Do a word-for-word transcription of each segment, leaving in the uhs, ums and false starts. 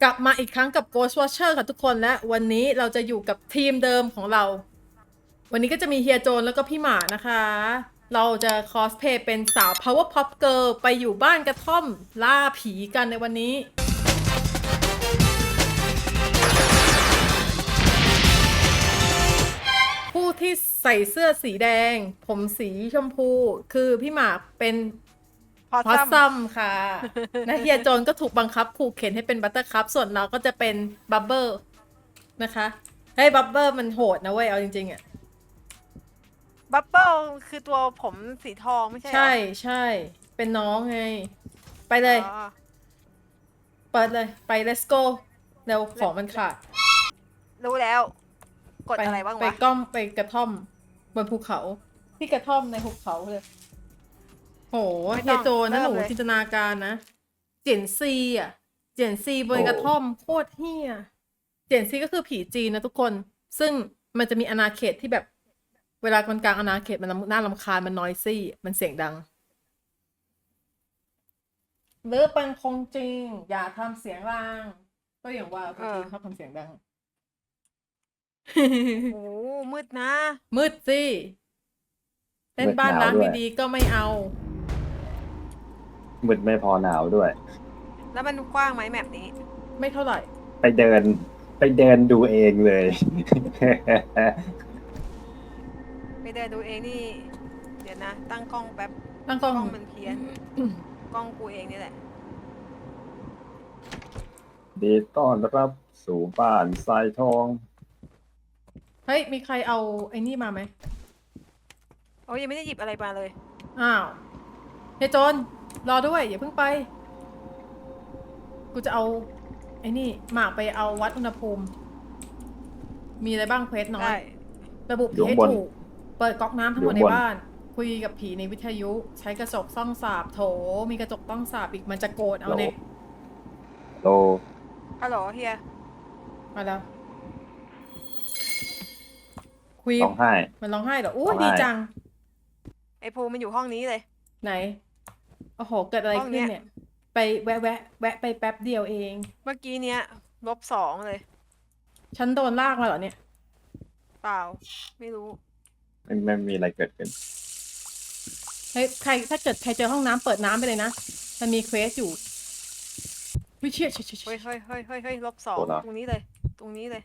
ลับมาอีกครั้งกับ Ghost Watcher ค่ะทุกคนและวันนี้เราจะอยู่กับทีมเดิมของเรา วันนี้ก็จะมีเฮียโจนแล้วก็พี่หมานะคะ เราจะคอสเพลย์เป็นสาว Power Pop Girl ไปอยู่บ้านกระท่อมล่าผีกันในวันนี้ ผู้ที่ใส่เสื้อสีแดง ผมสีชมพู คือพี่หมากเป็นพอพอสซัซัมมค่ะ นะเฮียโจนก็ถูกบังคับขู่เข็นให้เป็นบัตเตอร์คัพส่วนเราก็จะเป็นบับเบิลนะคะเฮ้ยบับเบิลมันโหดนะเว้ย เอาจริงๆอ่ะบับเบิ้ลคือตัวผมสีทองไม่ใช่เหรอใช่ใช่เป็นน้องไง ไปเลยอ๋อเปิดเลย ไป let's go เร็วของมันขาดรู้แล้ว กดไปอะไรบ้างไปวะก้อมไปกระท่อมบนภูเขา ที่กระท่อมในภูเขาเลย โหเฮียโจนนะหนูจินตนาการนะ เจียนซีอ่ะ เจียนซีบนกระท่อมโคตรเฮียเจียนซีก็คือผีจีนนะทุกคน ซึ่งมันจะมีอาณาเขตที่แบบ เวลาคนกลางอาณาเขตมันน่ารำคาญมันนอยซี่ มันเสียงดังหรือเป็นคงจริง อย่าทำเสียงดังก็อย่างว่าคนจีนชอบทำเสียงดังโอ้มืดนะมืดสิเล่นบ้านร้างมืดหนาวด้วยดีๆก็ไม่เอามืดไม่พอหนาวด้วยแล้วมันกว้างไหมแมปนี้ไม่เท่าไหร่ไปเดิน ไปเดินดูเองเลยไปเดินดูเองนี่ เดี๋ยวนะ ตั้งกล้องแป๊บตั้งกกล้ล้ออง งมันเพี้ยน กล้องกูเองนี่แหละดีต้อนรับสู่บ้านทรายทองเฮ้ย มีใครเอาไอ้นี่มาไหมโอ้ยยังไม่ได้หยิบอะไรมาเลยอ้าวเฮยโจน รอด้วย อย่าเพิ่งไป กูจะเอา ไอ้นี่หมากไปเอาวัดอุณหภูมิ มีอะไรบ้างเควสน้อได้ย ระบุผีให้อยู่ข้างบนถูก เปิดก๊อกน้ำทั้งหมดอยู่ในข้างบนบ้าน คุยกับผีในวิทยุ ใช้กระจกส่องสาบโถ มีกระจกต้องสาบอีกมันจะโกรธเอาเนี่ยโลฮัลโหลเฮียมาแล้ว คุยร้องไห้มันร้องไห้เหรออู้ร้องไห้ดีจังไอภูมันอยู่ห้องนี้เลยไหน โอ้โห เกิดอะไรห้องขึ้เนี้นยเนี่ย ไปแวะแวะแวะไปแป๊บเดียวเองเมื่อกี้เนี้ยลบสองเลยฉันโดนลากมาเหรอเนี่ยเปล่า ไม่รู้ไม่ไม่มีอะไรเกิดขึ้นเฮ้ย ใคร ถ้าเกิดใครเจอห้องน้ำเปิดน้ำไปเลยนะ มันมีเควสอยู่วิเชียเชี่ยเชี่ยเชี่เฮ้ยยเฮ้ยเฮ้ยเฮ้ยเฮ้ยลบสองโอ้โหตรงนี้เลย ตรงนี้เลย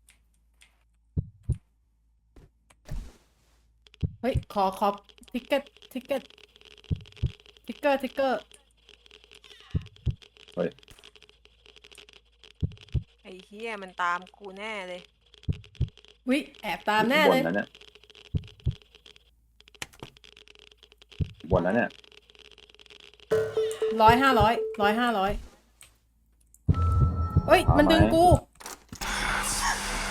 เฮ้ย ขอ ขอทิกเก็ตทิกเก็ตทิกเกอร์ทิกเกอร์เฮ้ยไอ้เฮียมันตามกูแน่เลยวิแอบตามแน่บเลนยนั้นเนี่ยบนนั้นเนี่ยร้อยห้าร้อยร้อยห้าร้อยเฮ้ย มันดึงกูโห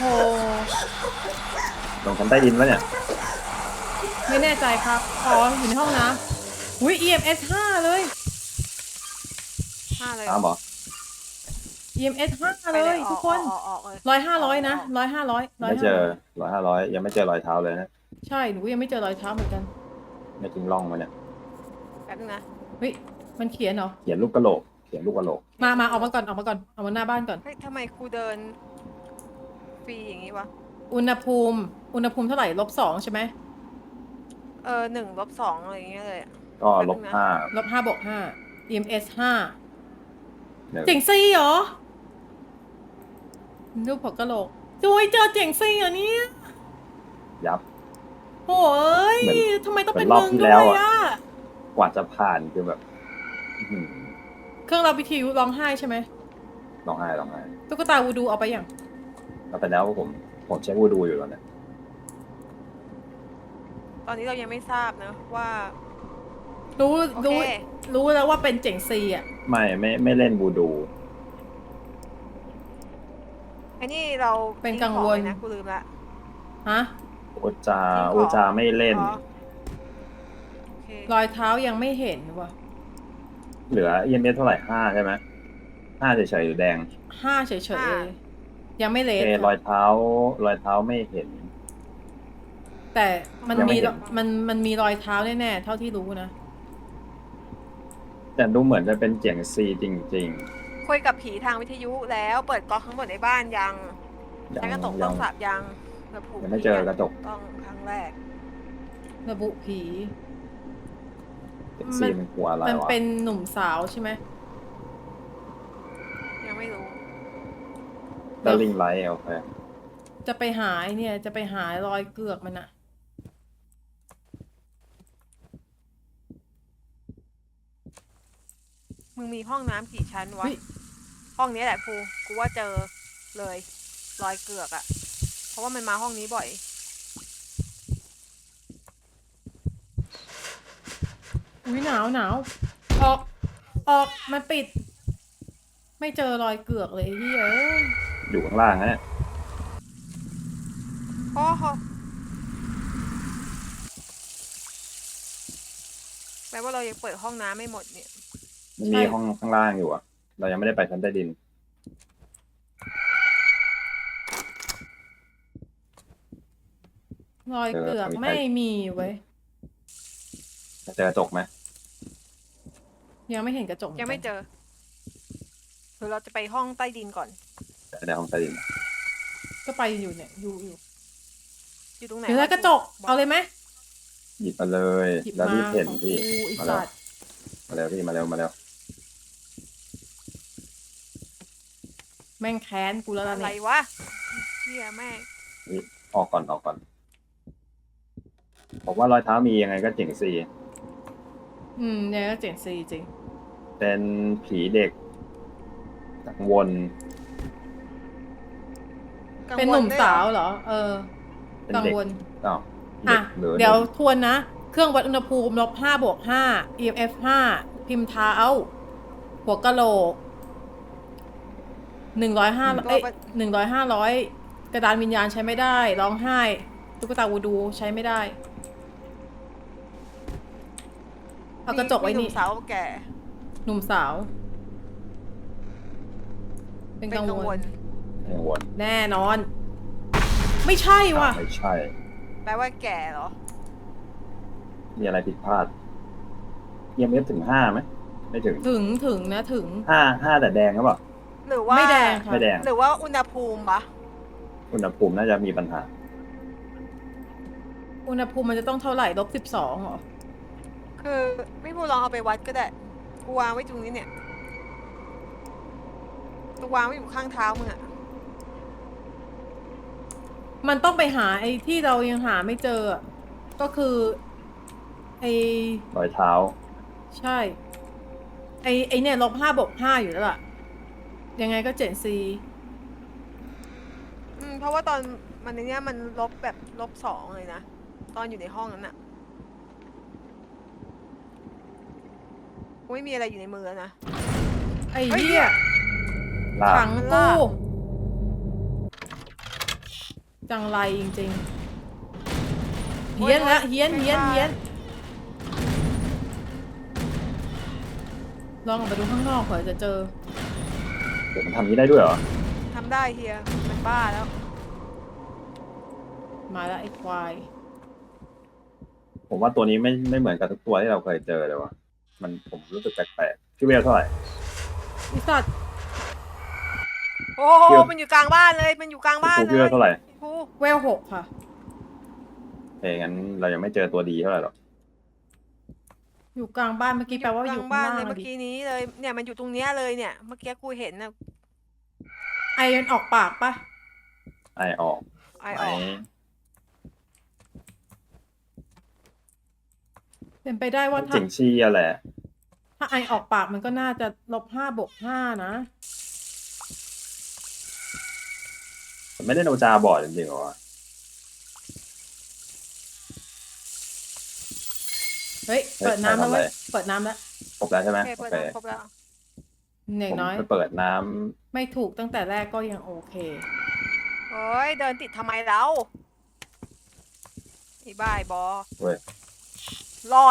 ลงชั้นใต้ดินแล้วเนี่ยไม่แน่ใจครับ อ๋อ อยู่ในห้องน้ำอุ้ย อี เอ็ม เอส ห้าเลยห้าเลยอ้าวบอกอี เอ็ม เอส ห้าไปเลยออทุกคนออกออกเลยร้อยห้าร้อยนะออกร้อยห้าร้อยร้อยไม่เจอร้อยห้าร้อยยังไม่เจอรอยเท้าเลยนะใช่ หนูยังไม่เจอรอยเท้าเหมือนกันไม่ทิ้งร่องมาเนี่ยแป๊บนึงนะเฮ้ย มันเขียนเหรอเขียนลูกกระโหลก เขียนลูกกระโหลกมา มาออกมาก่อน ออกมาก่อน ออกมาหน้าบ้านก่อนเฮ้ยทำไมกูเดินฟรีอย่างนี้วะอุณหภูมิ อุณหภูมิเท่าไหร่ลบสองใช่ไหมเออหนึ่งลบสองอะไรอย่างเงี้ยเลยอะก็ลบแป๊บนึงนะห้าลบห้าบวกห้า อี เอ็ม เอส ห้าหนึ่งเจ๋งซี่เหรอรูปหัวกะโหลกจุยเจอเจ๋งซี่เหรอเนี่ยยับโอ้ยเหมือนทำไมต้องเป็นเหมือนรอบมึงที่ด้แล้ววยอะอ่ะกว่าจะผ่านคือแบบอื้อหือเครื่องรับวิทยุร้องไห้ใช่ไหมร้องไห้ร้องไห้ตุ๊กตาวูดูเอาไปอย่างแล้วแต่แล้วผมผมเช็ควูดูอยู่แล้วเนี่ยตอนนี้เรายังไม่ทราบนะว่ารู้โอเครู้รู้แล้วว่าเป็นเจ๋งซีอ่ะไม่ไม่ไม่เล่นวูดูไอ้นี่เราเป็นทิ้กังวลของไนะกูลืมละฮะอูจาทิ้งของอูจาไม่เล่นอ๋อโอเครอยเท้ายังไม่เห็นว่ะเหลือ อี เอ็ม เอส เท่าไหร่ห้าใช่ไหมห้าเฉยๆหรือแดงห้าเฉยห้าๆยังไม่เลเอสรอยเท้ารอยเท้าไม่เห็นแต่มันยังไม่มีเห็นมันมันมีรอยเท้าแน่ๆเท่าที่รู้นะแต่ดูเหมือนจะเป็นเจียงซีจริงคุยกับผีทางวิทยุแล้วเปิดก๊อกทั้งหมดในบ้านยังยัใช้กระจกยัต้องสับยังระบุยังไม่เจอกระจกต้องครั้งแรกระบุผีเจ็ดซีมันกลัวอะไรมันวะเป็นหนุ่มสาวใช่ไหมยังไม่รู้ตะลิงไลท์โอเคจะไปหาไอ้เนี่ย จะไปหารอยเกือกมันอะมึงมีห้องน้ำกี่ชั้นวะเฮ้ยห้องนี้แหละภูกูว่าเจอเลย รอยเกือกอะเพราะว่ามันมาห้องนี้บ่อยอุ้ยหนาวหนาวออก ออกมันปิด ไม่เจอรอยเกือกเลยที่เอ้ยอยู่ข้างล่างนะเนี่ยโอ้โหแปลว่าเรายังเปิดห้องน้ำไม่หมดเนี่ยมันมีห้องข้างล่างอยู่อะเรายังไม่ได้ไปชั้นใต้ดินรอยเกือกไม่มีเว้ยจะเจอกระจกไหมยังไม่เห็นกระจกยังไม่เจอหรือเราจะไปห้องใต้ดินก่อนจะได้ห้องใต้ดินก็ไปอยู่เนี่ย อยู่อยู่อยู่ตรงไหนเดี๋ยวแล้วกระจก เอาเลยไหมหยิบมาเลยหยิบแล้วมารีบเห็นของพี่กูไอีมาแล้วสัตว์มาแล้วพี่มาเร็วมาเร็วแม่งแค้นกูแล้วล่ะอะไรเนี่ยวะเฮียแม่งออกก่อนออกก่อนผมว่ารอยเท้ามียังไงก็เจ๋งซีอืมเนี่ยก็เจ๋งซีจริงเป็นผีเด็กกังวลเป็นหนุ่มสาวเหรอ เออเป็นกังเด็กวลอ้าวอ่ะหรือเดี๋ยวทวนนะ เครื่องวัดอุณหภูมิลบห้าบวกห้า อี เอ็ม เอฟ ห้า พิมพ์เท้า หัวกะโหลกหนึ่งร้อยห้าเอ้ยหนึ่งร้อยห้าร้อยกระดานวิญญาณใช้ไม่ได้ ร้องไห้ ตุ๊กตาวูดูใช้ไม่ได้ เอากระจกไว้มีหนี่นุ่มสาวแก่หนุ่มสาว เป็นเป็นกังกังววลลกังวลแน่นอน ไม่ใช่ว่ะไม่ใช่แปลว่าแก่เหรอมีอะไรผิดพลาดเอ็มเอฟถึงห้าไหมไม่ถึงถึงถึงนะถึงห้าห้าแต่แดงหรือเปล่าหรือว่าไม่แดงค่ะไม่แดงหรือว่าอุณหภูมิปะอุณหภูมิน่าจะมีปัญหาอุณหภูมิมันจะต้องเท่าไหร่ลบสิบสองเหรอคือไม่พูดลองเอาไปวัดก็ได้กูวางไว้ตรงนี้เนี่ยกูวางไว้อยู่ข้างเท้ามึงอะมันต้องไปหาไอ้ที่เรายังหาไม่เจออะก็คือ ไอ้รอยเท้าใช่ ไอ้ไอ้เนี่ยลบห้าบวกห้าอยู่แล้วล่ะ ยังไงก็เจ็ดซีอืมเพราะว่าตอนมันในเนี้ยมันลบแบบลบสองเลยนะตอนอยู่ในห้องนั้นอะกูไม่มีอะไรอยู่ในมือแล้วนะไอ้เฮ้ยเหี้ยลากขังมันกูลากจังไรจริงๆเฮี้ยนแล้วเฮี้ยนเฮี้ยนเฮี้ยนลองออกไปดูข้างนอกเผื่อจะเจอเดี๋ยวมันทำนี้ได้ด้วยเหรอทำได้เฮียมันบ้าแล้วมาแล้วไอ้ควายผมว่าตัวนี้ไม่ไม่เหมือนกับทุกตัวที่เราเคยเจอเลยว่ะ มันผมรู้สึกแปลกๆพี่เวลเท่าไหร่ไอ้สัตว์โอ้โหเดี๋ยวมันอยู่กลางบ้านเลยมันอยู่กลางบ้านครูเลพี่เวย ลเท่าไหร่ครูเวลหกค่ะเอ้ยงั้นเรายังไม่เจอตัวดีเท่าไหร่หรอกอยู่กลางบ้านเมื่อกี้แปลว่าอยู่กลข้างบ้านล่างเลยอะเมื่อดิกี้นี้เลยเนี่ยมันอยู่ตรงเนี้ยเลยเนี่ยเมื่อกี้กูเห็นนะไอมันออกปากปะไอออกไอไหอมอกเป็นไปได้ว่าถ้าจริงชี้อะแหละถ้าไอออกปากมันก็น่าจะลบห้าบวกห้านะไม่ได้โนจาบอดจริงๆหรอวะเฮ้ย เปิดน้ำแล้วเว้ย เปิดน้ำแล้วครบแล้วใช่ไหมโอเคโอเปิดเคน้ำครบแล้วอย่างผมน้อยไปเปิดน้ำไม่ถูกตั้งแต่แรกก็ยังโอเคโอ้ยเดินติดทำไมเราไอ้บ้าไอ้บอเว้ยหลอน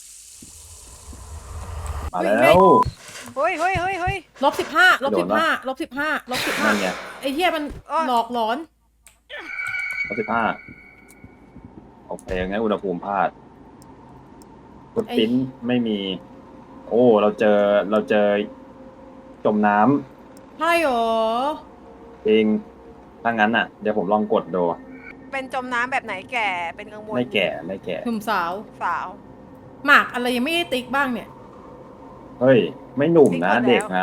มาเฮ้ยแล้วเฮ้ยเฮ้ยเฮ้ยเฮ้ยลบสิบห้าลบโดสินบปะห้าลบสิบห้าลบสิบห้านั่นไงไอ้เหี้ยมันเอ้ยหลอกหลอนร้อยสิบห้าโอเคงั้นอุณหภูมิพลาดฟุตไอ้ปิ้นไม่มี โอ้ เราเจอเราเจอจมน้ำใช่หรอจริงถ้างั้นอ่ะ เดี๋ยวผมลองกดดูเป็นจมน้ำแบบไหนแก่เป็นกังวลไม่แก่ไม่แก่หนุ่มสาวสาวหมากอะไรยังไม่ได้ติ๊กบ้างเนี่ยเฮ้ย ไม่หนุ่มนะติ๊กหมดแล้วเด็กนะ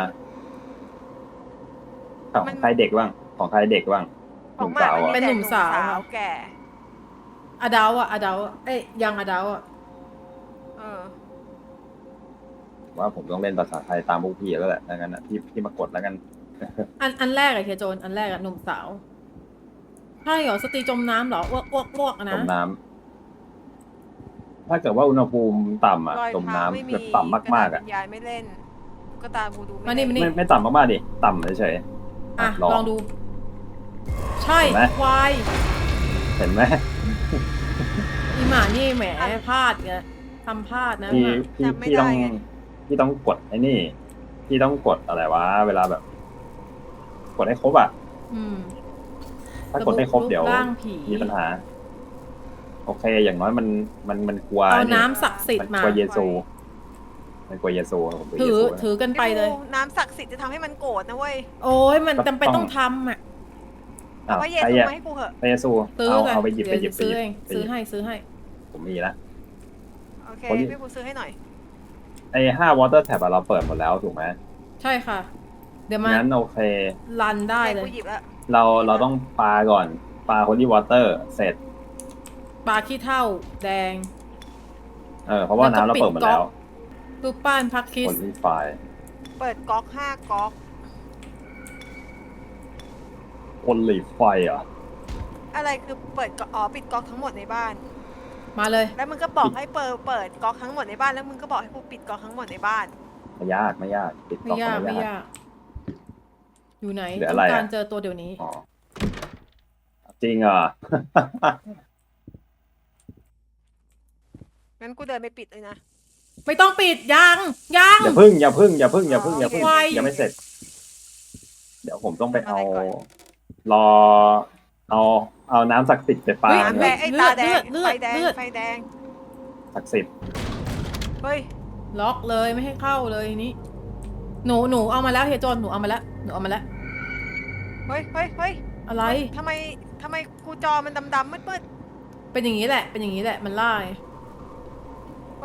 ของมันใครเด็กบ้างของใครเด็กบ้างหขอนุ่งมหมาสาวมันมีอ่ะเป็นแต่หนุ่มสาวแก่อดาวอะอดาวอะเอ้ยยังอดาวอะเออว่าผมต้องเล่นภาษาไทยตามพวกพี่แล้วแหละถ้างั้นอ่ะพี่พี่มากดแล้วกันอันอันแรกอะเฮียโจนอันแรกอะหนุ่มสาว ใช่เหรอสตรีจมน้ำเหรออ้วกอ้วกอ้วกอะจนะมน้ำถ้าเกิดว่าอุณหภูมิต่ำอ่ะรอยจมเท้าน้ำไม่มีแบบต่ำมากๆอ่ะระดษวิญญาณไม่เล่นก็ตามกูดูมาไม่นี่เล่นมานี่ไม่ไม่ต่ำมากๆดิต่ำเฉยๆอ่ะลองลองดู ใช่เห็นไหมควายเห็นไหมอีหมานี่แหมพลาดไงทำพลาดนะพี่หมาพี่พี่ต้องพี่ต้องกดไอ้นี่พี่ต้องกดอะไรวะเวลาแบบ กดให้ครบอ่ะอืมถ้ากดไม่ครบเดี๋ยวรูปร่างผีมีปัญหา โอเค อย่างน้อยมันมันมันกลัวเอานี่น้ำศักดิ์สิทมันธิ์กมาลัวเยซูมันกลัวเยซูผมกลัวถืเยอซูถือกันไปเลยพี่บูน้ำศักดิ์สิทธิ์จะทำให้มันโกรธนะเว้ยโอ้ยมันจำเป็นต้องทำอ่ะอ้าเอาวพระเยใครซูอะมาให้กูเหอะพระเยซูซื้อเอาเลยเอาไปหยิบไปหยิเดี๋บยวไปหซื้อยิบเองไปซื้อยิบให้ซื้อให้ผมมีละโอเคคนนี้พี่บูซื้อให้หน่อยไอ้ห้าวอเตอร์แท็บเราเปิดหมดแล้วถูกไหมใช่ค่ะ เดี๋ยวมางั้นโอเครันได้เลกูยหยิบแล้วเราเราต้องปาก่อนปาโฮลี่วอเตอร์เสร็จปลาขี้เท่าแดงเออเพราะว่าแล้วก็น้ำเราเปิดหมดแล้วรูปปั้นพักคิคสนรีไฟล์เปิดก๊อกห้าก๊อกคนรีไฟล์เหรอ่ะอะไรคือเปิดก๊อกอ๋อปิดก๊อกทั้งหมดในบ้านมาเลยแล้วมึงก็บอกให้เปิดเปิดก๊อกทั้งหมดในบ้านแล้วมึงก็บอกให้กูปิดก๊อกทั้งหมดในบ้านไม่ยากไม่ยากปิดไม่ก๊อกยากก็ไม่ไม่ยากยาก อยู่ไหนเหลือต้อะอไรง อะการเจอตัวเดี๋ยวนี้อ๋อจริงเหรอ่ะงั้นกูเดินไปปิดเลยนะไม่ต้องปิดยังยังอย่าพึ่งอย่าพึ่งอย่าพึ่งอย่าพึ่งอย่าพึ่งไวยังไม่เสร็จ เดี๋ยวผมต้องไปเอาทำอะไรก่อนรอ เอาเอาน้ำศักดิ์สิทธิ์ไปปาเฮ้ยน้ำเนี่แดยงไอ้ตาแดงเลือดไฟแดงเลือดไฟแดงศักดิ์สิทธิ์เฮ้ยล็อกเลยไม่ให้เข้าเลยนี่หนูหนูเอามาแล้วเฮยโจนหนูเอามาแล้วหนูเอามาแล้วเฮ้ยเฮ้ยเฮ้ยอะไรทำไมทำไมกูจอมันดำๆมืดเป็นอย่างนี้แหละ เป็นอย่างนี้แหละมันล่าไงๆโอ้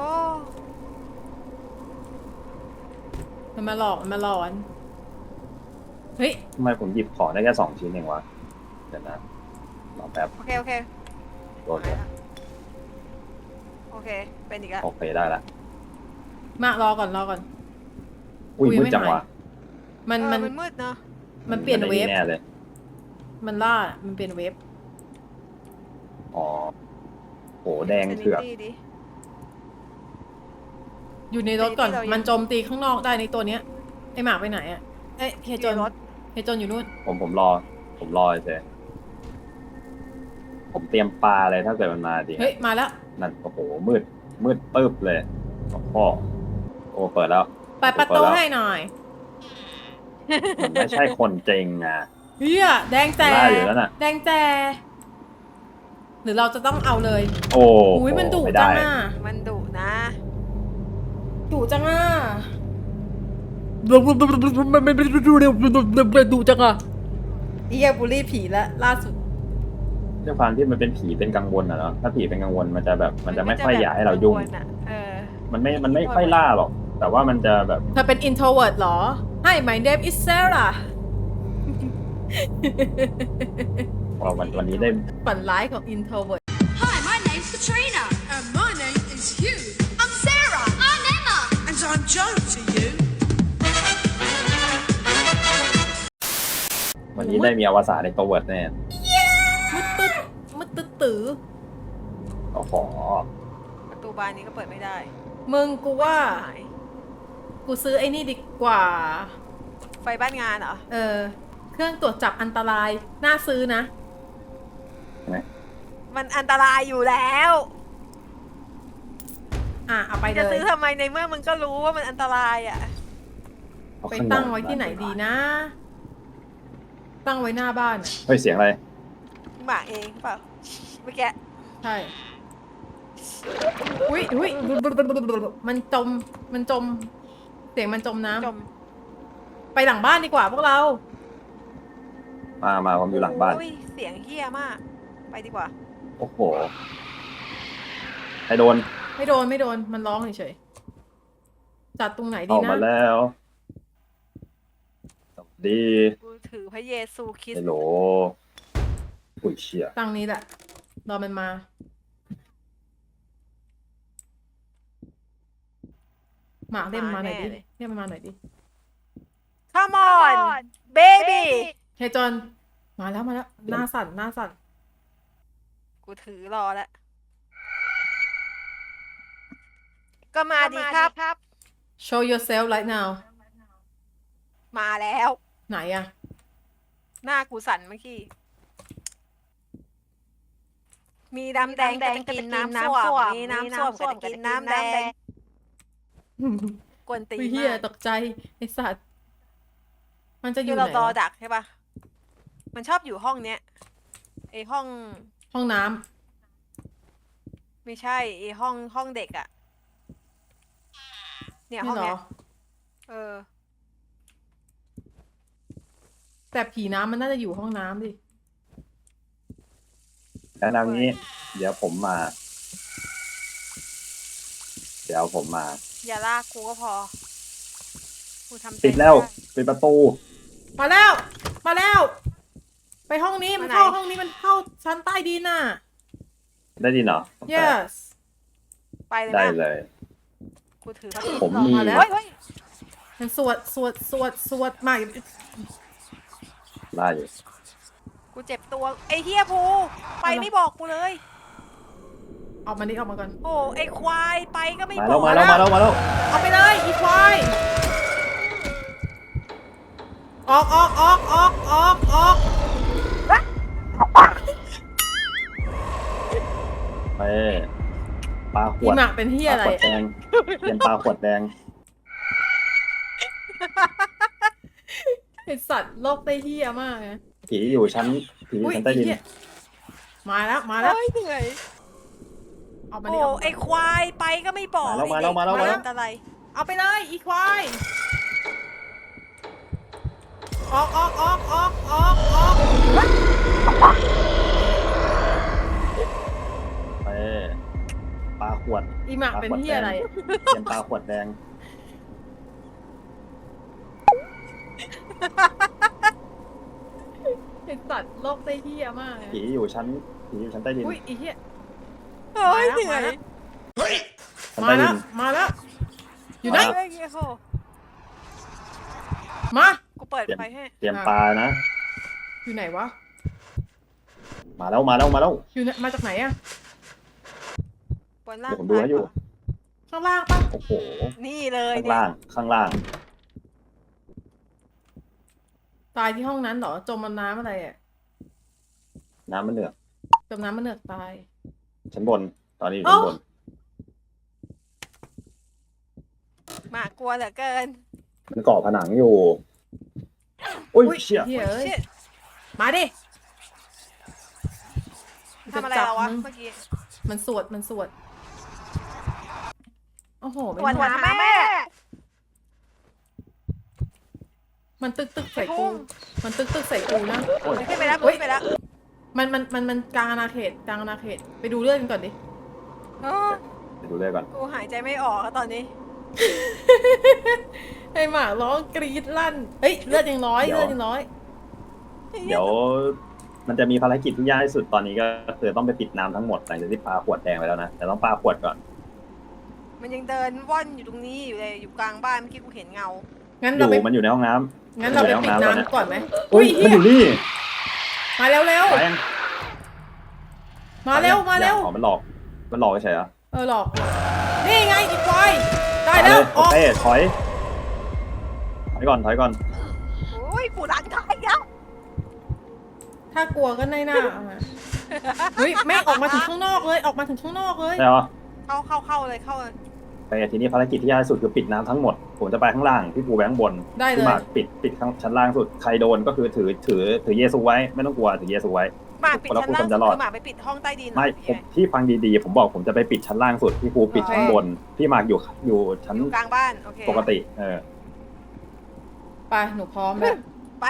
มันมาหลอกมันมาหลอน เฮ้ยทำไมผมหยิบของได้แค่สองชิ้นเองวะเดี๋ยวนะรอแป๊บโอเคโอเคโดนก่อนโอเคเป็นอีกแล้วโอเคได้ละมารอก่อนรอก่อนอุ้ยอุ้ยมืดไม่จังหายวะมันเออมันมันมืดเนอะมันเปลี่ยนเวฟแน่เลยมันล่า มันเปลี่ยนเวฟอ๋อโหแดงเถือก Sanity ดิอยู่ในรถก่อนที่เรายังมันโจมตีข้างนอกได้ในตัวเนี้ย ไอหมากไปไหนอะเอ้ยเฮยโจนอยู่ในรถเฮยโจนอยู่นู่นผมผมรอ ผมรอเฉยผมเตรียมปลาเลยถ้าเกิดมันมาดิเฮ้ย มาแล้วนั่นโอ้โหมืดมืดตึ๊บเลยโอ้โหโอ้เปิดแล้วไปประตูให้หน่อยมันไม่ใช่คนจริงนะเฮียแดงแจล่าอยู่แล้วน่ะแดงแจ หรือเราจะต้องเอาเลยโอ้อุ้ยมันดุไม่จัได้งอ่ะมันดุนะดุจังอ่ะมันไม่ดูเร็วดุจังอ่ะเฮียบูลลี่ผีแล้วล่าสุดด้วยความที่มันเป็นผีเป็นกังวลอะเนาะถ้าผีเป็นกังวลมันจะแบบมันจะไม่ค่อยอยากให้เรายุ่งมันก็จะแบบกัวลอะเออมันไม่มันไม่ค่อยล่าหรอก แต่ว่ามันจะแบบเธอเป็น introvert เหรอ Hi my name is Sarah พอวันวันนี้ได้ฝันร้ายของ introvert Hi, my name's Katrina. And my name is Hugh. I'm Sarah. I'm Emma. And I'm Joe to you. วันนี้ได้มีอวสานในตัวเวิร์ดแน่มึดตึ๊ดมึดตึ๊ดตื้อโอ้โหประตูบานนี้ก็เปิดไม่ได้มึงกูว่าหายกูซื้อไอ้นี่ดีกว่าไฟบ้านงานเหรอเออ เครื่องตรวจจับอันตราย น่าซื้อนะมันอันตรายอยู่แล้วอ่ะ เอาไปเลจะยซื้อทำไมในเมื่อมึงก็รู้ว่ามันอันตรายอ่ะเอาไปขนมตั้งไว้ที่ไหนดีนะ ตั้งไว้หน้าบ้านอะเฮ้ยเสียงอะไรหมาเองเปล่าเมื่อกี้ใช่ อุ้ยอุ้ยมันจม มันจม เสียงมันจมน้ำจมไปหลังบ้านดีกว่าพวกเรามามาผมอยู่หลังบ้านโอ้ยเสียงเฮี้ยมาก ไปดีกว่าโอ้โหใครโดนไม่โดนไม่โดนมันร้องเฉยๆจัดตรงไหนดีออกนะมาแล้วสวัสดีกูถือพระเยซูคริสฮัลต์โหลอุ้ยเชี่ยตั้งนี้แหละรอมันมา หมากเรียกมันมาหน่อยดิเรียกมันมาหน่อยดิ Come on baby เฮยจอนมาแล้วมาแล้วหน้าสั่นหน้าสั่นกูถือรอแล้ว ก็มาดีครับ show yourself right now มาแล้วไหนอะหน้ากูสั่นเมื่อกี้ มีดำแดงก็จะกินน้ำส้วมมีน้ำส้วมก็จะกินน้ำแดง กวนตีนอุ้ยเฮียมากตกใจไอสัตว์มันจะอคืยู่อไหเรานรอวะดักใช่ปะมันชอบอยู่ห้องเนี้ยไอห้องห้องน้ไม่ใช่ไอห้องห้องเด็กอะำเนี่ยนี่ห้องเหรเนี้อยเออแต่ผีน้ำมันน่าจะอยู่ห้องน้ำดิแล้วนำนี้ เดี๋ยวผมมา เดี๋ยวผมมาอย่าลากกูก็พอ กูทำใจปิดแล้วไม่ไปิดประตูมาแล้ว มาแล้ว ไปห้องนี้มันมาไหนเข้าห้องนี้มันเข้าชั้นใต้ดินน่ะได้ดินเหรอ yes ไปเลยได้นะเลยกูถือพระพิษผมรอมีมาแล้วเฮ้ยเฮ้ยมันสวดสวดสวดสวดมาได้อยู่กูเจ็บตัวไอเฮียภูไปไม่บอกกูเลยออกมานี่ออกมาก่อนโอ้ไอควายไปก็ไม่มาบแล้อวกมาแล้วมาแล้วมาแล้วเอาไปเลยอีควายออกออกออกออกออกออกไปปลาขอีวดหมากเป็นเฮียปอะลาไรขวดแดงเปลี่ยนปลาขวดแดงไอสัตว์โลกได้เฮียมากนะผีอยู่ชั้นผีอยู่อุ้ยชั้นใต้ดินไอ้เหี้ยมาแล้วมาแล้วเฮ้ยเหนื่อยเอามาโอ้นี่เอาไอควายไปก็ไม่บอกมาแล้วมาแล้วมาแล้วไอ้เด็กอะไรเอาไปเลยอีควายออกออกออกออกออกออกไปปลาขวดอีหมากเป็นเฮียอะไรเปลี่ยนปลาขวดแดงไอสัตว์โลกได้เฮียมากนะผีอยู่ชั้นผีอยู่ชั้นใต้ดินอุ้ยไอเฮียเฮ้ยมาแล้วเหนื่อยชั้นมาใต้แล้ดิวน มาแล้ว อยู่ไหนเฮ้ยเฮียโคมากูเปิดไฟให้เตรียมปลานะอยู่ไหนวะมาแล้วมาแล้วมาแล้วอยู่ไหนมาจากไหนอะบนล่างเดี๋ยวผมดูให้อยู่ข้างล่างปะโอ้โหนี่เลยข้างเนี่ยล่างข้างล่างตายที่ห้องนั้นเหรอจมน้ำอะไรอะน้ำมันเหนือกจมน้ำมันเนือกตายชั้นบน ตอนนี้อยู่เอ้าชั้นบนหมากลัวเหลือเกินมันเกาะผนังอยู่อุ้ยเชี่ยเฮียเอ้ย Shit มาดิทำอะไรเราวะเมื่อกี้มันสวดมันสวดโอ้โหตรวจไม่หาแม่มันตึกตึกใส่ไอ้กูพุ่งมันตึกตึกใส่กูนะขึ้นไปแล้วเฮ้ยขึ้นไปแล้วมันมันมันมันกลางอาณาเขตกลางอาณาเขตไปดูเรื่องกันก่อนดิเออไปดูเลยก่อนกูหายใจไม่ออกอะตอนนี้ไอหมาร้องกรีดลั่นเฮ้ยเลือดยังน้อยเดี๋ยวเลือดยังน้อยเดี๋ยว มันจะมีภารกิจที่ยากที่สุดตอนนี้ก็คือต้องไปปิดน้ำทั้งหมดหลังจากที่ปลาขวดแดงไปแล้วนะแต่ต้องปลาขวดก่อนมันยังเดินว่อนอยู่ตรงนี้อยู่เลยอยู่กลางบ้านเมื่อกี้กูเห็นเงางั้นอเรายู่ไปมันอยู่ในห้องน้ำงั้นเราไปมัปิยู่ดให้องตอนเนี้ยน้ำก่อนไหมอุ้ยเฮีมันยอยู่นี่มาเร็วเร็วไปยังมาเร็วมาเร็วอ๋อมันหลอกมันหลอกเฉยๆเหรอเออหลอกนี่ไงอีกไฟได้ไปแล้วเลยออกโอเคถอยถอยก่อนถอยก่อนโอ้ยกูดันท้ายแล้วถ้ากลัวก็ในหน้าเอามาเฮ้ยแม่งออกมาถึงข้างนอกเลยออกมาถึงข้างนอกเลยใช่เหรอเข้าเข้าเข้าเลยเข้าเลยไปทีนี้ภารกิจที่ยากที่สุดคือปิดน้ำทั้งหมดผมจะไปข้างล่างพี่ปูแบงค์บนได้เลพี่ยหมากปิดปิดข้างชั้นล่างสุดใครโดนก็คือถือถือถือเยซูไว้ไม่ต้องกลัวถือเยซูไว้หมากปิดชั้นล่างสุดคือหมากไปปิดห้องใต้ดินเหรอไม่หผรือมไงที่ฟังดีๆ ผมบอกผมจะไปปิดชั้นล่างสุดพี่ปูปิดชั้นบนพี่หมากอยู่อยู่ชั้นอยู่กลางบ้านโอเคปกติเออไปไปหนูพร้อมแล้วไป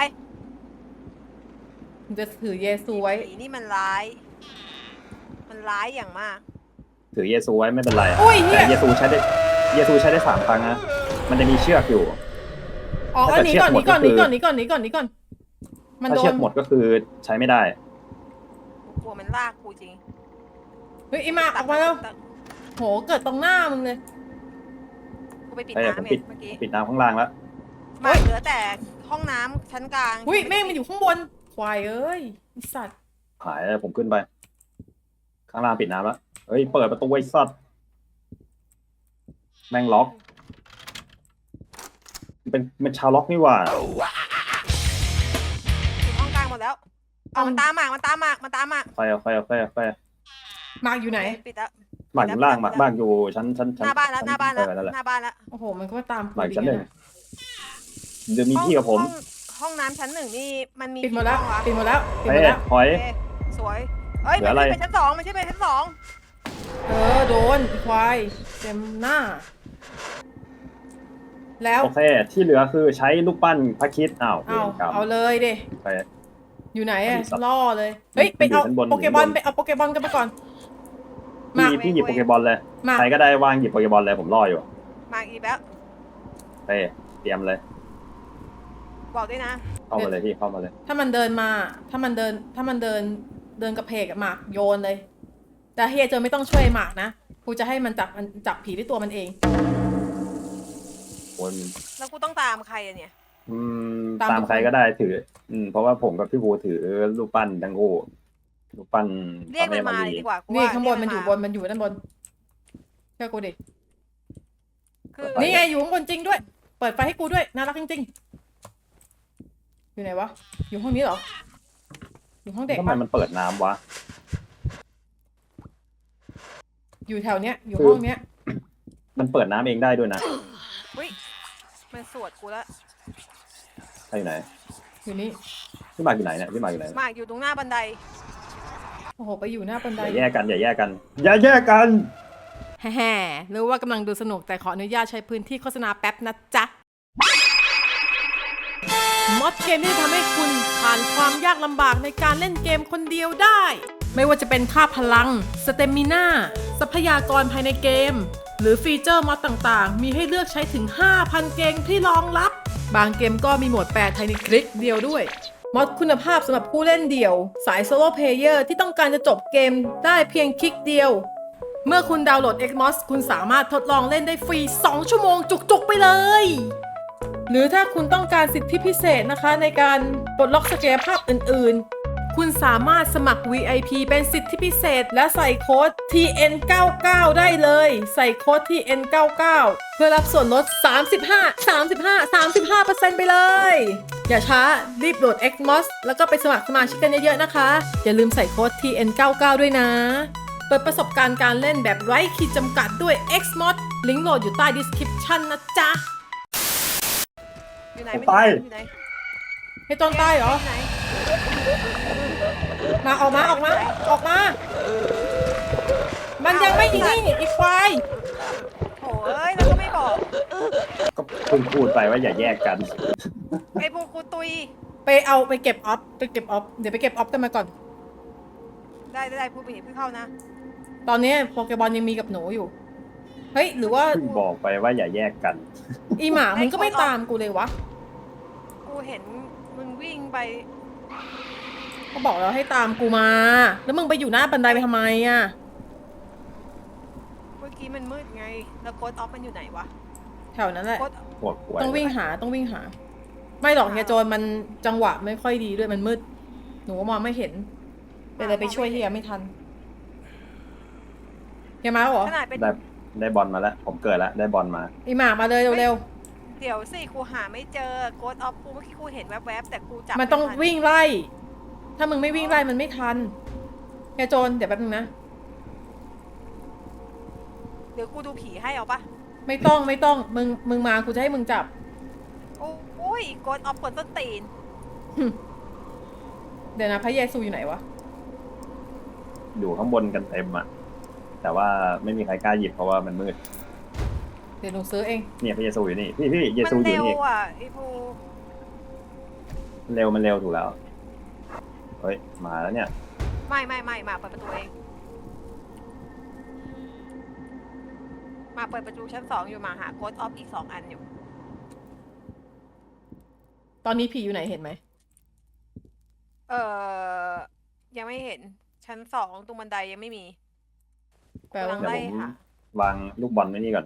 หนูจะถือเยซูไว้ผีนี่มันร้าย มันร้ายอย่างมากถือเยซูไว้ไม่เป็นไรอุ้ยเหี้แต่ยเยซูใช้ได้เยซูใช้ได้สามครั้งนะมันจะมีเชือกอยู่อ๋อถ้าอันเกิดนี้ก่อนเชืนี้อกก่อนหมดก็นี้คือก่อนนี้ก่อนนี้ก่อนนี้ก่อน มันถ้าโดเชือน กหมดก็คือใช้ไม่ได้กูกลัวมันลากกูจริงเฮ้ยไอหมากออกมาแล้ว โห เกิดตรงหน้ามึงเลยกูไปปิดเอ้ยผมน้ำปิเนี่ดยเมื่อกี้ปิดน้ำข้างล่างแล้วมาเหลือแต่ห้องน้ำชั้นกลางอุ้ยแม่งมันอยู่ข้างบน ควายเอ้ยไอ้สัตว์หายแล้วผมขึ้นไป ข้างล่างปิดน้ำแล้วเฮ้ยเปิดประตูไว้สัตว์แม่งล็อกเป็นเป็นชาวล็อกนี่หว่าปิดห้องกลางหมดแล้วเอามันตามหมากมันตามหมากมันตามหมากไฟเอาไฟเอาไฟเอาไฟหมากอยู่ไหนปิดแล้วหมากอยู่ล่างหมากบ้านอยู่ชั้นชั้นหชั้นน้าบ้านแล้วหน้าบ้านแล้วเออนั่นแหละหน้าบ้านแล้วโอ้โห มันก็มาตามกูหมากดีชั้นหนึ่งนะเดี๋ยวมีพี่กับผมห้องห้องน้ำชั้นหนึ่งนี่มันมีปิดหมดแล้วกี่ห้องะปิดหมดแล้ว ปิดหเฮ้มยดแล้วหอยโอเคสวยเอ้ยเหลืมัอน อะไรขึ้นไปชั้นสองมันใช่ไปชั้นสองเออ โดนไอ้ควายเต็มหน้า แล้วโอเค ที่เหลือคือใช้ลูกปั้นพระคริดอ้าวเวเอารกรรมเอาเลยดิไปอยู่ไหนอะมีสัตว์ล่อเลย เฮ้ย ไปเอาอยู่ชั้นบนโปเกมอนอยู่ชั้นบนไปเอาโปเกมอนกันไปก่อน มาพี่พี่หยิบโปเกบอลเลยมาใครก็ได้วางหยิบโปเกบอลเลยผมรออยู่มาอีกแล้วเฮ้ยเตรียมเลยบอกด้วยนะเข้ามาเลยพี่เข้ามาเลยถ้ามันเดินมา ถ้ามันเดิน ถ้ามันเดิน เดินกระเพกอะหมากโยนเลย แต่เฮียเจอไม่ต้องช่วยหมากนะ กูจะให้มันจับมันจับผีด้วยตัวมันเองคนแล้วกูต้องตามใครอะเนี่ยอืมตามตามทุกคนใครก็ได้ถือ อืมเพราะว่าผมกับพี่บูถือลูกปั้นทั้งคู่ลูกปั้นเรียกมันพมาระเลยแดีกว่ากูนี่ว่าข้างบนมันอยู่บเรีกน มันอยู่ด้านบนเชื่อกูดิคือนี่ไงอยู่ข้างบนจริงด้วย เปิดไฟให้กูด้วย น่ารักจริงๆ อยู่ไหนวะ อยู่ห้องนี้เหรอ อยู่ห้องเด็กทำไมปะมันเปิดน้ำวะอยู่แถวเนี้ย อยู่คือห้องเนี้ยมันเปิดน้ำเองได้ด้วยนะอุ้ยมันสวดกูแล้วใครอยู่ไหนอยู่นี่พี่หมากอยู่ไหนเนี่ยพี่หมากอยู่ไหนหมากอยู่ตรงหน้าบันไดโอ้โห ไปอยู่หน้าบันอไดย่าแยกกันอย่าแยกกัน อย่าแยกกันแฮ่ๆรู้ว่ากำลังดูสนุกแต่ขออนุญาตใช้พื้นที่โฆษณาแป๊บนะจ๊ะ มอดเกมที่ทำให้คุณผ่านความยากลำบากในการเล่นเกมคนเดียวได้ ไม่ว่าจะเป็นค่าพลัง สเตมิน่า ทรัพยากรภายในเกม หรือฟีเจอร์มอดต่างๆ มีให้เลือกใช้ถึง ห้าพัน เกมที่รองรับ บางเกมก็มีโหมดแปลไทยในคลิกเดียวด้วย มอดคุณภาพสำหรับผู้เล่นเดี่ยว สายโซโล่เพลเยอร์ที่ต้องการจะจบเกมได้เพียงคลิกเดียว เมื่อคุณดาวน์โหลด Xmos คุณสามารถทดลองเล่นได้ฟรี สอง ชั่วโมงจุกๆไปเลย หรือถ้าคุณต้องการสิทธิพิเศษนะคะในการปลดล็อกศักยภาพอื่นๆ คุณสามารถสมัคร วี ไอ พี เป็นสิทธิพิเศษและใส่โค้ด ที เอ็น เก้าเก้า ได้เลย ใส่โค้ด ที เอ็น เก้าเก้า เพื่อรับส่วนลด สามสิบห้า สามสิบห้า สามสิบห้าเปอร์เซ็นต์ ไปเลย อย่าช้า รีบโหลด Xmos แล้วก็ไปสมัครสมาชิกกันเยอะๆนะคะ อย่าลืมใส่โค้ด ที เอ็น เก้าเก้า ด้วยนะ เปิดประสบการณ์การเล่นแบบไร้ขีดจำกัดด้วย Xmos ลิงก์โหลดอยู่ใต้ description นะจ๊ะอยู่ไหนผมไม่ไปอยู่ไหนให้ต้นใต้เหรออยู่ไหนมาออกมาออกมา ออกมา มันยังไม่ยิงนี่อีกควายโถ่เอ้ยแล้วก็ไม่บอกก็เพิ่งพูดไปว่าอย่าแยกกันไอ้พวกกูตุยไปเอาไปเก็บออฟไปเก็บออฟเดี๋ยวไปเก็บออฟกันมาก่อนได้ได้ได้พูดไปเพิ่งเข้านะตอนนี้โปเกบอลยังมีกับหนูอยู่ เฮ้ย หรือว่าเพิ่งบอกไปว่าอย่าแยกกันอีหมามึงก็ไม่ตามกูเลยวะกูเห็นมึงวิ่งไปก็บอกแล้วให้ตามกูมา แล้วมึงไปอยู่หน้าบันไดไปทำไมอ่ะเมื่อกี้มันมืดไง แล้วโค้ดออฟมันอยู่ไหนวะแถวนั้นแหละโค้ดปวดหัวต้องวิ่งหาต้องวิ่งหา ไม่หรอกเฮียโจรมันจังหวะไม่ค่อยดีด้วยมันมืด หนูก็มองไม่เห็นเป็นอะไรไปช่วยเฮียไม่ทันเฮียมาแล้วเหรอขนาดเป็นได้ได้บอลมาแล้ว ผมเกิดแล้วได้บอลมาอีหมามาเลยเร็วเดี๋ยวสิกูหาไม่เจอโค้ดออฟกูเมื่อกี้กูเห็นแวบๆแต่กูจับๆมันต้องไทัวิ่งไล่ ถ้ามึงไม่วิ่งไล่มันไม่ทันเฮียโจรเดี๋ยวแป๊บนึงนะเดี๋ยวกูดูผีให้เอาปะไม่ต้องไม่ต้องมึงมึงมากูจะให้มึงจับโอ้ยโค้ดออฟกดต้นตีนเดี๋ยวนะพระเยซูอยู่ไหนวะอยู่ข้างบนกันเต็มอะแต่ว่าไม่มีใครกล้าหยิบเพราะว่ามันมืดเดี๋ยวหนูซื้อเองเนี่ยพระเยซูอยู่นี่ พี่พี่เยมัซูอเร็ยู่วนี่อ่ะไอ้ภูเร็วมันเร็วถูกแล้วเฮ้ยมาแล้วเนี่ยไม่ไม่ไม่มาเปิดประตูเองมาเปิดประตูชั้นสองอยู่มาหาโค้ดออฟอีกสองอันอยู่ตอนนี้ผีอยู่ไหนเห็นไหมเออยังไม่เห็นชั้นสองตรงบันไดยังไม่มีแปลว่ากำลังเดี๋ยวไล่ผมค่ะวางลูกบอลไว้นี่ก่อน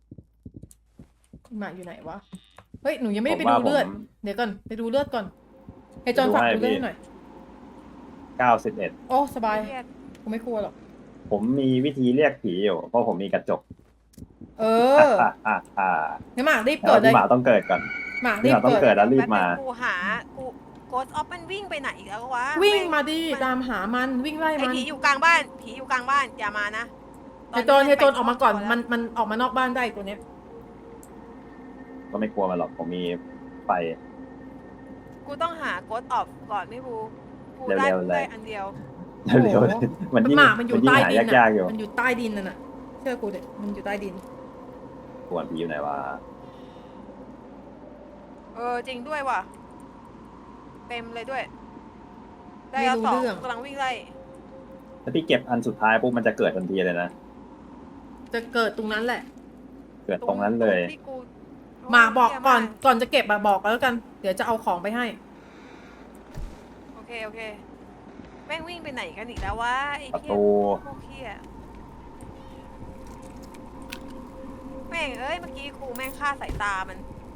หมาอยู่ไหนวะ เฮ้ย หนูยังไม่ได้ผไปมว่าดูเลือดผมเดี๋ยวก่อน ไปดูเลือดก่อนไอ้จอนดูฝากให้ดูเลือดพี่ให้หน่อยเก้าสิบเอ็ดโอ้ สบายเครียดกูไม่กลัวหรอกผมมีวิธีเรียกผีอยู่เพราะผมมีกระจกเอออ่าอ่าอ่าให้หมากรีบแต่เกิดว่าเลพี่ยหมาต้องเกิดก่อนหมากพี่รีหบมาต้องเกิเกิดดแล้วรีบมาแป๊นึงกูหากูโกดออฟมันวิ่งไปไหนอีกแล้ววะวิ่งแมาดิตามหามันวิ่งไล่ไอมันผีอยู่กลางบ้านผีอยู่กลางบ้านอย่ามานะเฮยโจนตเฮยโจนไปออกมาก่อนแล้วมันมันออกมานอกบ้านได้ตัวเนี้ยก็ไม่กลัวมันหรอกผมมีไฟกูต้องหาโกดออฟก่อนไม่บูกูเร็วๆได้เลยได้อันเดียวเร็วโอ้โหๆมันยิ่งหมามันอยู่ยิ่งใต้หาดินยาอ่ะกๆอยู่มันอยู่ใต้ดินนั่นน่ะเชื่อกูเด็มันอยู่ใต้ดินกวนผีอยู่ไหนวะเออจริงด้วยว่ะเต็มเลยด้วย ได้ไม่แล้วรู้สองเรื่องกำลังวิ่งไล่ถ้าพี่เก็บอันสุดท้ายปุ๊บมันจะเกิดทันทีเลยนะจะเกิดตรงนั้นแหละเกิดตรงนั้นเลยที่กูหมาบอกเหี้ยก่อนมก่อนจะเก็บอะบอกแล้วกัน เดี๋ยวจะเอาของไปให้โอเคโอเคแม่งวิ่งไปไหนกันอีกแล้ววะไอ้ประเหี้ยตูพวกเหี้ยแม่งเอ้ยเมื่อกี้ครูแม่งฆ่าสายตามัน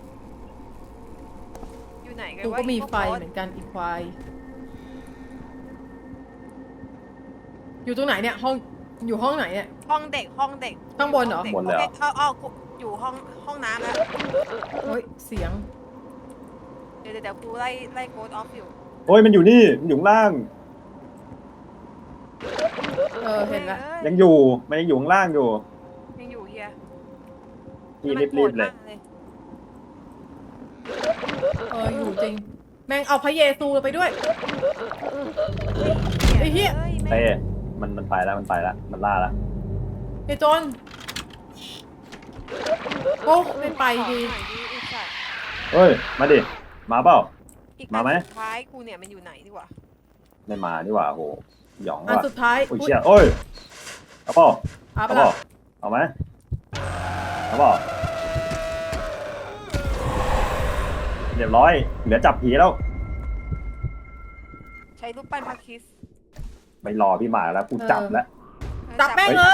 อยู่ไหนกันกูวะก็มีอ้พวไฟโค้ดเหมือนกันอีควาย อยู่ตรงไหนเนี่ย ห้อง อยู่ห้องไหนเนี่ยห้องเด็กห้องเด็กข้างบนเหรอด็กบนเลยเหรอโอเคเอาเอากูอยู่ห้องห้องน้ำแล้วเฮ้ย เสียงเดี๋ยวเดี๋ยวเดี๋ยวกูไล่ไล่โกดออฟอยู่โอ้ยมันอยู่นี่มันอยู่ข้างล่างเออ เห็นละแม่งยังอยู่มันยังอยู่ข้างล่างอยู่เอ้ยยังอยู่เฮียพี่แล้วมันรีบๆเลยโกรธมากเลยเออ อยู่จริง แม่งเอาพระเยซูไปด้วย ไอ้เหี้ยอ้แม่งเต้มันมันไปแล้วมันไปแล้วมันล่าแล้วไอ้โจนโอ้ไม่ไปดีขอหน่อยดิไอ้สัตว์เฮ้ยมาดิมาเปล่าอีกมาไหมอันสุดท้ายกูเนี่ยมันอยู่ไหนดีวะไม่มาดีกว่าโหหยองอันว่ะสุดท้ายโอ้ยเชี่ยโอ้ยเอาเปล่าเอาเอาไปเปล่าละเอาไหมเอาเปล่าเรียบร้อยเหลือจับผีแล้วใช้รูปปั้นพระคริสต์ไม่รอพี่หมาแล้วกูจับแล้วจับแม่งเลย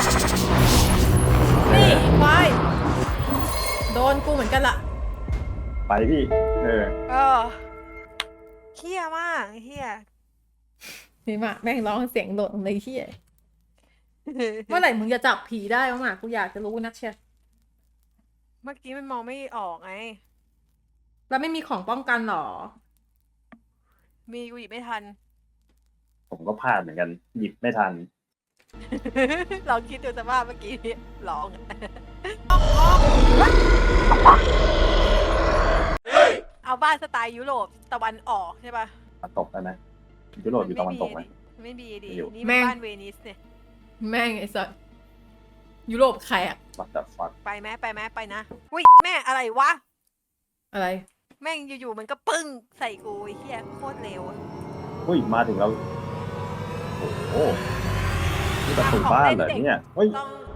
นี่ควายโดนกูเหมือนกันล่ะไปพี่เออเออเฮี้ยมากเฮี้ยนี่มาแม่งร้องเสียงโดดเลยที่เมื่อไหร่มึงจะจับผีได้วะหมากูอยากจะรู้นักเชียร์เมื่อกี้มันมองไม่ออกไงแล้วไม่มีของป้องกันหรอมีกูหยิบไม่ทันผมก็พลาดเหมือนกัน หยิบไม่ทันลองคิดดูสภาพเมื่อกี้ร้องเอาบ้านสไตล์ยุโรปตะวันออกใช่ปะตะตกได้ไหมยุโรปอยู่ตะวันตกไหมมันไม่มีดิไม่อยู่นี่แม่มันงบ้านเวนิสเนี่ยแม่งไอ้สัสยุโรปแขกวัดแต่ฟักไปไหมไปไหมไปนะอุ้ยแม่อะไรวะอะไรแม่งอยู่ๆมันก็ปึ้งใส่กูไอ้เหี้ยโคตรเร็วอะอุ้ยมาถึงเราโอ้โหนี่ประตูบ้านเหรอเนี่ยเฮ้ยต้อง